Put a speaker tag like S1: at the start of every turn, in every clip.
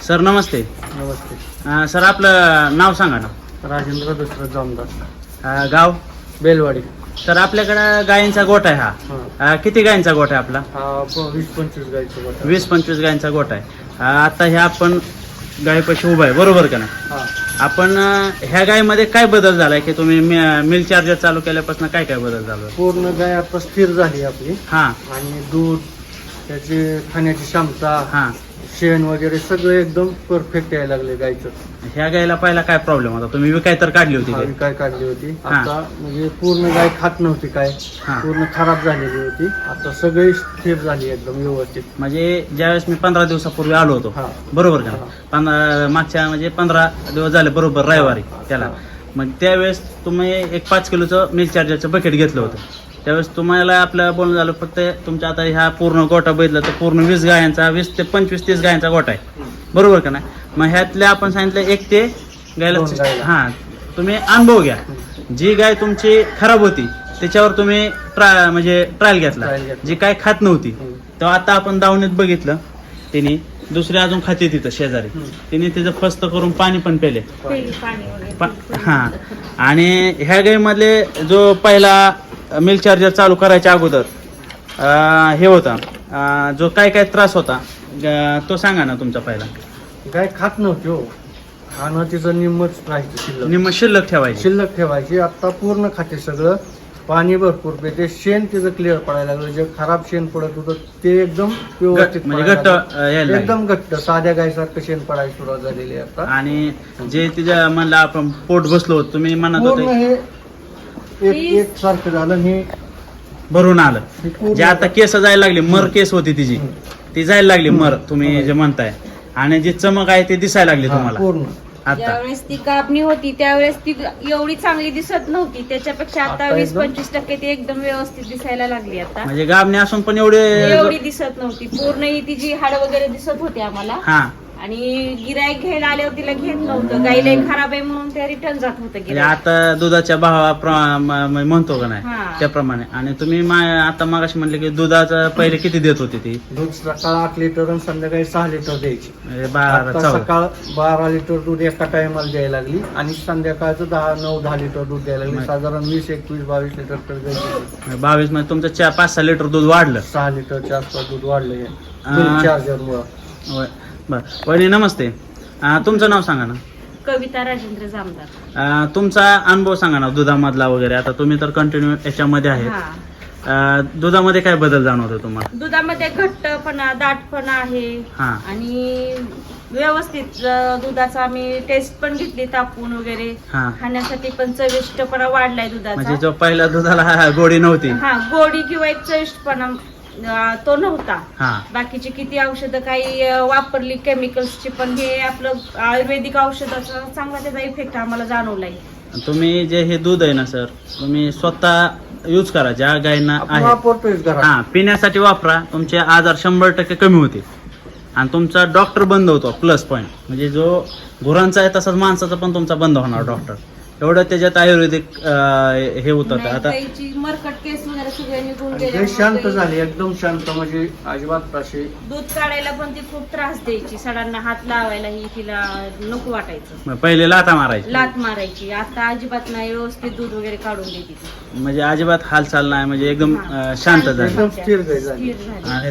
S1: Sir नमस्ते.
S2: नमस्ते.
S1: Sir आपलं नाव सांगा ना.
S2: राजेंद्र दशरथ जामदार,
S1: गाव
S2: बेलवाडी.
S1: तर आपल्याकडं गायींचा गोठा आहे हा. किती गायींचा गोठा आहे आपला?
S2: 20-25 गायचं गोठा.
S1: 20-25 गायींचा गोठा आहे. आता ह्या आपण गायीपाशी उभा आहे, बरोबर का नाही?
S2: हा.
S1: आपण ह्या गायीमध्ये काय बदल झालाय की तुम्ही मिल्क चार्जर चालू केल्यापासून काय काय बदल झाला?
S2: पूर्ण गाय आता स्थिर झाली आपली.
S1: हा
S2: आणि दूध, त्याची खाण्याची क्षमता,
S1: हा.
S2: शेण वगैरे सगळं एकदम परफेक्ट यायला लागले गायचं.
S1: ह्या गायीला पहिला काय प्रॉब्लेम होता? तुम्ही विकाय तर काढली होती
S2: हा,
S1: गाय?
S2: काय काढली होती.
S1: हा.
S2: आता म्हणजे पूर्ण गाय खात नव्हती, काय
S1: हा.
S2: पूर्ण खराब झालेली होती. आता सगळी स्थिर झाली एकदम व्यवस्थित.
S1: म्हणजे ज्यावेळेस मी 15 दिवसापूर्वी आलो होतो,
S2: हा.
S1: बरोबर का?
S2: हा.
S1: मागच्या म्हणजे 15 दिवस झाले बरोबर रविवारी त्याला. मग त्यावेळेस तुम्ही एक 5 किलोचं मिल्क चार्जरचं बकेट घेतलं होतं. त्यावेळेस तुम्हाला आपलं बोलणं झालं फक्त तुमच्या आता ह्या पूर्ण गोठा बघितला तर पूर्ण 20 गायांचा 20 ते 25-30 गायांचा गोठा आहे, बरोबर का नाही? मग ह्यातल्या आपण सांगितलं 1 ते गायला. हां, तुम्ही अनुभव घ्या. जी गाय तुमची खराब होती त्याच्यावर तुम्ही म्हणजे ट्रायल घेतला. जी काय खात नव्हती तेव्हा आता आपण दावणीत बघितलं, तिने दुसरी अजून खाते तिथं शेजारी, तिने तिचं फस्त करून पाणी पण पेले. हां. आणि ह्या गायीमधले जो पहिला मिल्क चार्जर चालू करायच्या अगोदर हे होता, जो काय काय त्रास होता तो सांगा ना तुमचा पहिला.
S2: गाय खात नव्हती हो. खाणं तिचं निम्मच राहायचं, शिल्लक.
S1: निम्म शिल्लक ठेवायची.
S2: शिल्लक ठेवायची. आता पूर्ण खाते सगळं, पाणी भरपूर पेते. शेण तिचं क्लिअर पडायला लागलं. जे खराब शेण पडत होतं ते एकदम व्यवस्थित
S1: म्हणजे
S2: पडायला
S1: घट्ट
S2: लागलं.
S1: यायला लागलं.
S2: एकदम घट्ट साध्या गायसारखं शेण पडायला सुरुवात झालेली आहे आता.
S1: आणि जे तिच्या म्हणलं आपण पोट बसलो होतो, तुम्ही म्हणत
S2: पूर्ण
S1: होते
S2: हे एक सारखं झालं. हे
S1: भरून आलं.
S2: पूर्ण
S1: जे आता केस जायला लागली, मर केस होती तिची, ती जायला लागली मर, तुम्ही जे म्हणताय. आणि जी चमक आहे ती दिसायला लागली तुम्हाला
S2: पूर्ण.
S1: आता.
S3: ज्यावेळेस ती कापणी होती त्यावेळेस ती एवढी चांगली दिसत नव्हती. त्याच्यापेक्षा आता
S2: आता
S3: 20-25% ती एकदम व्यवस्थित दिसायला लागली. आता
S1: म्हणजे गाबणी असून पण एवढी
S3: दिसत नव्हती. पूर्ण ही तिची हाड वगैरे दिसत होती आम्हाला.
S1: हा.
S3: आणि गिराईक घ्यायला आल्यावर तिला घेत नव्हतं. गाईला खराब आहे म्हणून ते रिटर्न जात होतं
S1: म्हणजे
S3: गिराईक.
S1: आता दुधाच्या भावा म्हणतो का नाही
S3: हा.
S1: त्याप्रमाणे. आणि तुम्ही आता मागाशी म्हणले की दुधाचं पहिले किती देत होती ती?
S2: दूध सकाळ 8 लिटर आणि संध्याकाळी 6 लिटर द्यायची.
S1: म्हणजे 12
S2: आता
S1: 14
S2: सकाळ 12 लिटर दूध एका टायमाला द्यायला लागली. आणि संध्याकाळचं 9-10 लिटर दूध द्यायला लागली. साधारण 20-21-22 लिटर तर द्यायची.
S1: 22 मध्ये तुमचं 5-6 लिटर दूध वाढलं.
S2: 6 लिटरच्या आसपास दूध वाढलं
S1: आ.
S2: चार्जरमुळं.
S1: होय. बरं वहिनी नमस्ते. तुमचं नाव सांगा ना.
S3: कविता राजेंद्र जामदार.
S1: तुमचा अनुभव सांगा ना दुधामधला वगैरे. आता तुम्ही तर कंटिन्यू याच्यामध्ये आहे.
S3: हा.
S1: दुधामध्ये काय बदल जाणवतो तुम्हाला?
S3: दुधामध्ये घट्टपणा, दाटपणा आहे.
S1: हा.
S3: आणि व्यवस्थित दुधाचा आम्ही टेस्ट पण घेतली तापून वगैरे.
S1: हा.
S3: खाण्यासाठी पण चविष्टपणा वाढलाय
S1: म्हणजे
S3: दुधाचा.
S1: जो पहिल्या दुधाला गोडी नव्हती.
S3: हा, गोडी किंवा एक चविष्टपणा तो नव्हता.
S1: हा.
S3: बाकीची किती औषधं काही वापरली केमिकल्सची, पण हे आपलं आयुर्वेदिक औषधाचा चांगला त्याचा इफेक्ट आम्हाला जाणवलाय.
S1: तुम्ही जे हे दूध आहे ना सर, तुम्ही स्वतः यूज करा. ज्या गायींना
S2: आपण
S1: आहे
S2: वापरतोय घरात.
S1: हा, पिण्यासाठी वापरा. तुमचे आजार 100% कमी होतील. आणि तुमचा डॉक्टर बंद होतो. प्लस पॉईंट म्हणजे जो गुरांचा आहे तसाच माणसाचा पण तुमचा बंद होणार डॉक्टर. एवढं त्याच्यात आयुर्वेदिक हे होतं. आता
S3: गाईची मरकट केस वगैरे सगळे निघून
S2: आणि
S3: गेले.
S2: गाय शांत झाली, एकदम शांत. म्हणजे अजिबात अशी
S3: दूध काढायला पण ती खूप त्रास द्यायची. सडांना हात लावायलाही तिला नको वाटायचं.
S1: पहिले लाथा मारायची.
S3: लात मारायची. आता अजिबात नाही, व्यवस्थित दूध वगैरे काढून देते ती.
S1: म्हणजे अजिबात हालचाल नाही. म्हणजे एकदम
S3: हा.
S1: शांत झाली.
S2: एकदम स्थिर गाय झाली.
S3: स्थिर झाली.
S1: आणि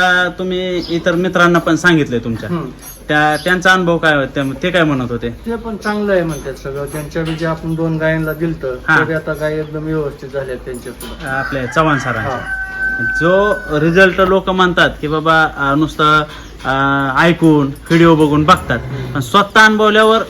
S1: तुम्ही इतर मित्रांना पण सांगितलंय तुमच्या, त्यांचा अनुभव काय होता? ते काय म्हणत होते?
S2: ते पण चांगलं आहे म्हणतात सगळं. त्यांच्या जे आपण 2 गायांना दिलतं
S1: हा.
S2: तरी आता गाय एकदम व्यवस्थित झाल्या त्यांच्या पुढे.
S1: आपल्या चव्हाण सरांचा जो रिझल्ट लोक म्हणतात की बाबा नुसतं ऐकून व्हिडिओ बघून बघतात, पण स्वतः अनुभवल्यावर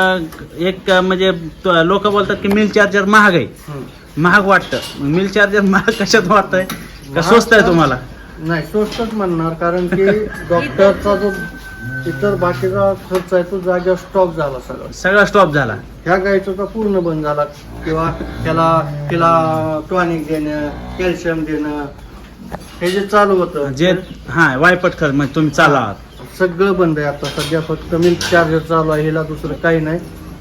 S1: एक म्हणजे लोक बोलतात की मिल्क चार्जर महाग आहे. महाग वाटतं. मिल्क चार्जर महाग कशात वाटतंय का स्वस्त आहे तुम्हाला?
S2: नाही, स्वस्तच म्हणणार. कारण की डॉक्टरचा जो इतर बाकीचा खर्च आहे तो जागेवर स्टॉप झाला
S1: सगळा स्टॉप झाला.
S2: ह्या गायचा तर पूर्ण बंद झाला. किंवा तिला टॉनिक देणं, कॅल्शियम देणं, हे जे चालू होतं
S1: जे वायपट खर्च म्हणजे तुम्ही चालला आहात
S2: सगळं बंद आहे आता सध्या. फक्त मिल्क चार्जर चालू आहे. हिला दुसरं काही नाही.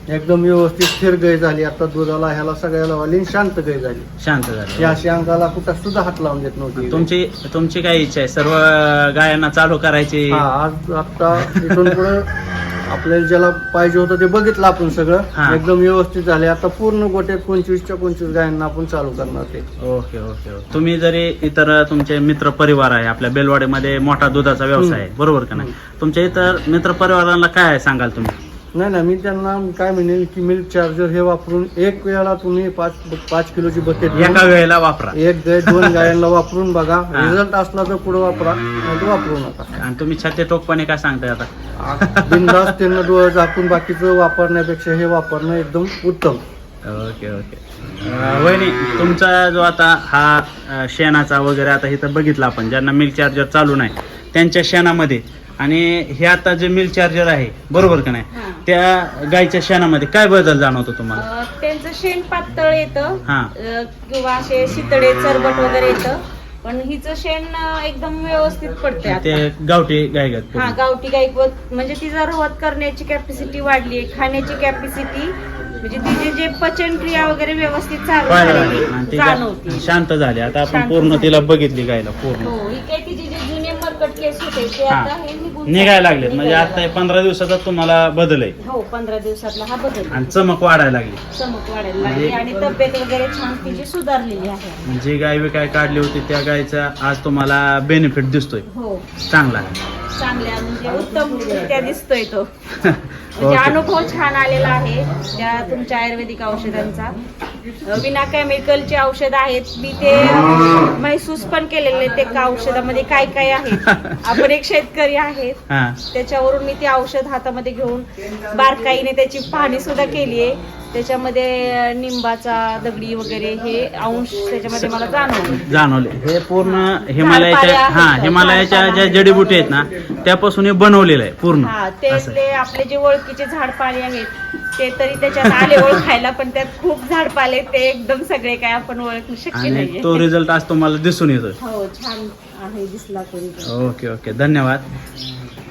S2: एकदम व्यवस्थित स्थिर गाय झाली. आता दुधाला ह्याला सगळ्याला वाली शांत गाय झाली.
S1: शांत झाले.
S2: या अशी अंगाला कुठं सुद्धा हात लावून देत नव्हती.
S1: तुमची काय इच्छा आहे सर्व गायांना चालू करायची?
S2: हा, आज आता इथून पुढे आपल्याला ज्याला पाहिजे होतं ते बघितलं आपण
S1: हा.
S2: सगळं एकदम व्यवस्थित झाले. आता पूर्ण गोट्यात 25च्या 25 गायांना आपण चालू करणार ते.
S1: Okay okay okay. तुम्ही जरी इतर तुमचे मित्र परिवार आहे, आपल्या बेलवाडीमध्ये मोठा दुधाचा व्यवसाय आहे, बरोबर का नाही? तुमच्या इतर मित्र परिवारांना काय सांगाल तुम्ही?
S2: नाही, मी त्यांना काय म्हणेल की मिल्क चार्जर हे वापरून एक वेळेला तुम्ही 5 किलोची बकेट
S1: एका वेळेला वापरा.
S2: एक गाय 2 गायांना वापरून बघा.
S1: हा.
S2: रिझल्ट असला तर पुढे वापरा, नाही तर वापरू नका.
S1: आणि तुम्ही छाती टोकपणे काय सांगताय आता?
S2: बिनधास्त त्यांना डोळे झाकून बाकीचं वापरण्यापेक्षा हे वापरणं एकदम उत्तम.
S1: Okay okay. वहिनी, तुमचा जो आता हा शेणाचा वगैरे आता इथं बघितला आपण, ज्यांना मिल्क चार्जर चालू नाही त्यांच्या शेणामध्ये आणि हे आता जे मिल्क चार्जर आहे, बरोबर का नाही,
S3: हा.
S1: त्या गायच्या शेणामध्ये काय बदल जाणवतो तुम्हाला?
S3: त्यांचं शेण पातळ येतं
S1: हा.
S3: किंवा असे शितळे चरबट वगैरे येतं, पण हिचं शेण एकदम व्यवस्थित पडते
S1: ते
S3: आता.
S1: गावठी गायगत.
S3: हा, गावठी गाई म्हणजे तिचा रवत करण्याची कॅपॅसिटी वाढली, खाण्याची कॅपॅसिटी म्हणजे तिची जे पचन क्रिया वगैरे व्यवस्थित चालू झालेली जाणवते.
S1: शांत झाली आता. आपण
S3: शांत
S1: पूर्ण
S3: झाली.
S1: तिला बघितली गायला पूर्ण.
S3: हो, ही काय तिचे जे जुने मरकट केस होते ते
S1: हा.
S3: आता हे
S1: निघायला लागले. म्हणजे आता हे 15 दिवसाचा तुम्हाला बदल आहे
S3: हो, 15 दिवसातला हा बदल.
S1: आणि चमक वाढायला लागली.
S3: चमक वाढायला लागली आणि तब्येत वगैरे छान तिची सुधारलेली आहे.
S1: जी गाय काय काढली होती त्या गायचा आज तुम्हाला बेनिफिट दिसतोय
S3: हो,
S1: चांगला आहे.
S3: चांगल्या म्हणजे उत्तम त्या दिसतोय तो. म्हणजे अनुभव छान आलेला आहे त्या तुमच्या आयुर्वेदिक औषधांचा. विना केमिकलची औषध आहेत. मी ते महसूस पण केलेले ते का औषधामध्ये काय काय आहे. आपण एक शेतकरी आहेत,
S1: हा.
S3: त्याच्यावरून मी ते औषध हातामध्ये घेऊन बारकाईने त्याची पाहणी सुद्धा केली आहे. त्याच्यामध्ये निंबाचा दगडी वगैरे हे अंश त्याच्यामध्ये मला
S1: जाणवले. हे पूर्ण
S3: झाडपाले
S1: हिमालयाच्या
S3: आहेत.
S1: हिमालयाच्या ज्या
S3: झाडपाला
S1: जडीबुटी आहेत ना त्यापासून हे बनवलेलं आहे पूर्ण.
S3: हा,
S1: असं.
S3: ते आपले जे ओळखीचे झाडपाले आहेत ते तरी त्याच्यात आले ओळखायला, पण त्यात खूप झाडपाले ते एकदम सगळे काय आपण ओळखू शक्य
S1: आणि
S3: नाहीये.
S1: तो रिझल्ट आज तुम्हाला दिसून येतोय.
S3: हो, छान आहे दिसला तरी.
S1: Okay okay. धन्यवाद.